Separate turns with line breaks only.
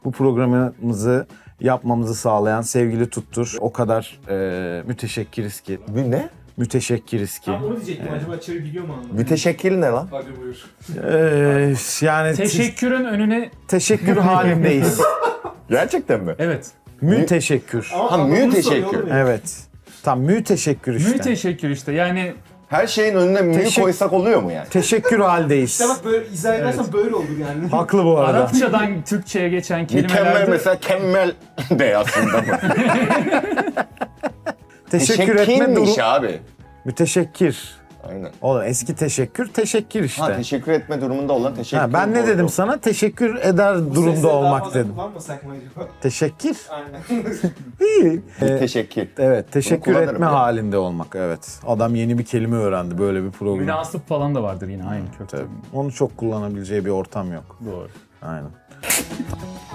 Bu programımızı yapmamızı sağlayan sevgili Tuttur. O kadar müteşekkiriz ki.
Ne?
Müteşekkiriz ki.
Onu diyecektim, acaba çevir biliyor mu anlamı?
Müteşekkil ne lan?
Hadi buyur.
Yani
Teşekkürün önüne...
teşekkür halindeyiz.
Gerçekten mi?
Evet.
Müteşekkür.
Ha,
Ama bunu
müteşekkür.
soruyor oğlum ya.
Evet. Tam müteşekkür işte.
Müteşekkür işte yani
Her şeyin önüne mü koysak oluyor mu yani?
Teşekkür haldeyiz.
İşte bak böyle izah edersen böyle olur yani.
Haklı bu arada.
Arapçadan Türkçe'ye geçen
Mükemmel
kelimelerde...
mesela kemmel de aslında mı?
Teşekkür etme
Teşekkirmiş
durum.
abi.
Müteşekkir.
Aynen.
Oğlum eski teşekkür, teşekkür işte.
Ha, teşekkür etme durumunda olan teşekkür.
Ha, ben ne dedim sana? Teşekkür eder
Bu
durumda
sesleri daha
olmak
fazla
dedim.
kullanmasak mı acaba?
Teşekkür.
Aynen.
İyi.
Teşekkür.
Evet, teşekkür
kullanırım
etme
ya.
halinde olmak. Evet. Adam yeni bir kelime öğrendi böyle bir program.
Münasip falan da vardır yine aynı kökte.
Tabii. Onu çok kullanabileceği bir ortam yok.
Doğru.
Aynen.